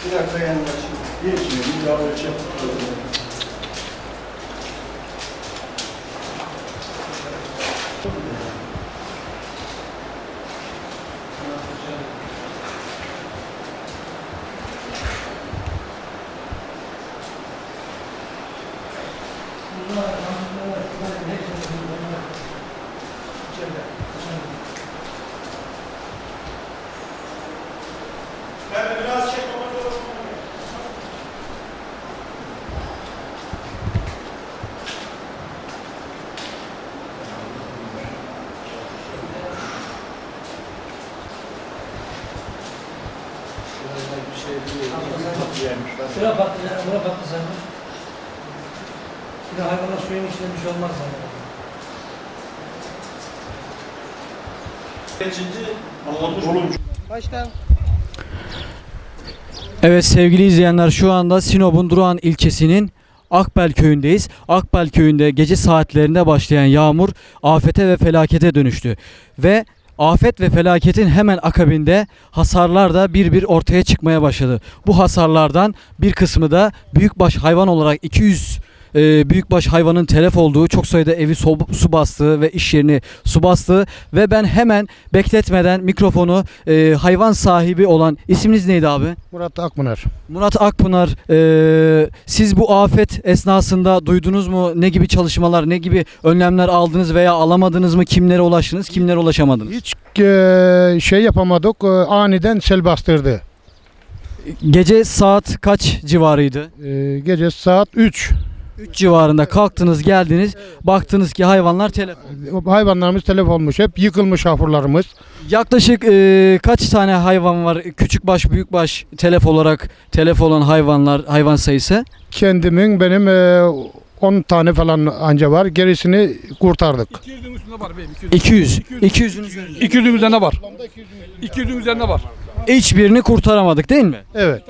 Bir dakika yanlaşın. Geçmiyor. Bir daha ölçelim. Şuraya battı, buraya battı sen. Bir de hayvana suyun içinde bir şey olmaz zaten. Baştan. Evet sevgili izleyenler, şu anda Sinop'un Durağan ilçesinin Akbel köyündeyiz. Akbel köyünde gece saatlerinde başlayan yağmur afete ve felakete dönüştü. Ve afet ve felaketin hemen akabinde hasarlar da bir ortaya çıkmaya başladı. Bu hasarlardan bir kısmı da büyükbaş hayvan olarak 200 büyükbaş hayvanın telef olduğu, çok sayıda evi su bastığı ve iş yerini su bastığı ve ben hemen bekletmeden mikrofonu hayvan sahibi olan, isminiz neydi abi? Murat Akpınar. Murat Akpınar, siz bu afet esnasında duydunuz mu? Ne gibi çalışmalar, ne gibi önlemler aldınız veya alamadınız mı? Kimlere ulaştınız, kimlere ulaşamadınız? Hiç şey yapamadık. Aniden sel bastırdı. Gece saat kaç civarıydı? Gece saat 3. 3 civarında kalktınız, geldiniz, baktınız ki hayvanlar telef. Hayvanlarımız telef olmuş. Hep yıkılmış ahırlarımız. Yaklaşık kaç tane hayvan var? Küçükbaş, büyükbaş telef olan hayvan sayısı? Benim 10 tane falan anca var. Gerisini kurtardık. 200'ün üstünde var beyim. 200. 200'ün üzerinde. 200'ün üzerinde var. 200'ün üzerinde var. Hiçbirini kurtaramadık değil mi? Evet.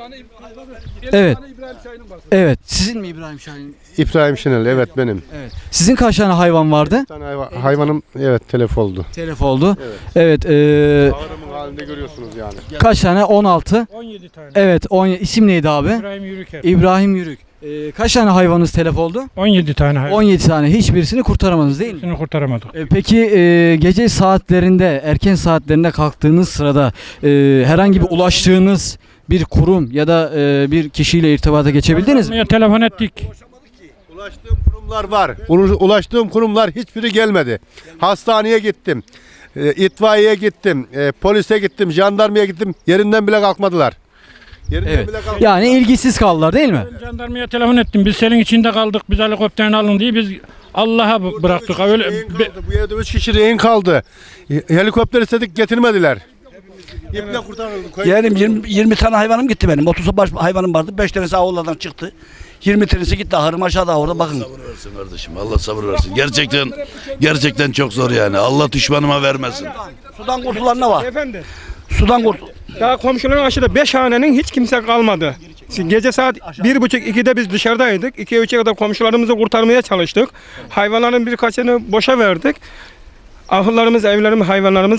Evet. İbrahim Şahin'in var. Evet. Sizin mi İbrahim Şahin? İbrahim Şenel, evet benim. Evet. Sizin kaç tane hayvan vardı? Bir tane hayvanım evet telef oldu. Telef oldu. Evet. Evet. Ağrımın halinde görüyorsunuz yani. Kaç tane? 16. 17 tane. Evet. İsim neydi abi? İbrahim Yürüker. İbrahim Yürük. Kaç tane hayvanınız telef oldu? 17 tane hayvan. 17 tane. Hiçbirisini kurtaramadınız değil mi? Hepsini kurtaramadık. Peki gece saatlerinde, erken saatlerinde kalktığınız sırada herhangi bir ulaştığınız bir kurum ya da bir kişiyle irtibata geçebildiniz mi? Ya telefon ettik. Ulaştığım kurumlar var. Ulaştığım kurumlar hiçbiri gelmedi. Hastaneye gittim. İtfaiyeye gittim. Polise gittim. Jandarmaya gittim. Yerinden bile kalkmadılar. Evet. Yani ilgisiz kaldılar değil mi? Jandarmaya telefon ettim. Biz selin içinde kaldık. Biz helikopterini alın diye biz Allah'a bıraktık. Öyle Bu evde 3 kişi rehin kaldı. Helikopter istedik, getirmediler. İple kurtarıldık. Yeğenim 20 tane hayvanım gitti benim. 30 baş hayvanım vardı. 5 tanesi avlulardan çıktı. 20 tanesi gitti. Ahırım aşağıda orada bakın. Sabır versin kardeşim. Allah sabır versin. Gerçekten çok zor yani. Allah düşmanıma vermesin. Sudan kurtulan ne var? Efendim, Sudan kurtul. daha komşuların aşağıda 5 hanenin hiç kimse kalmadı. Gece saat 1.30-2'de biz dışarıdaydık. 2'ye 3'e kadar komşularımızı kurtarmaya çalıştık. Hayvanların birkaçını boşa verdik. Ahırlarımız, evlerimiz, hayvanlarımız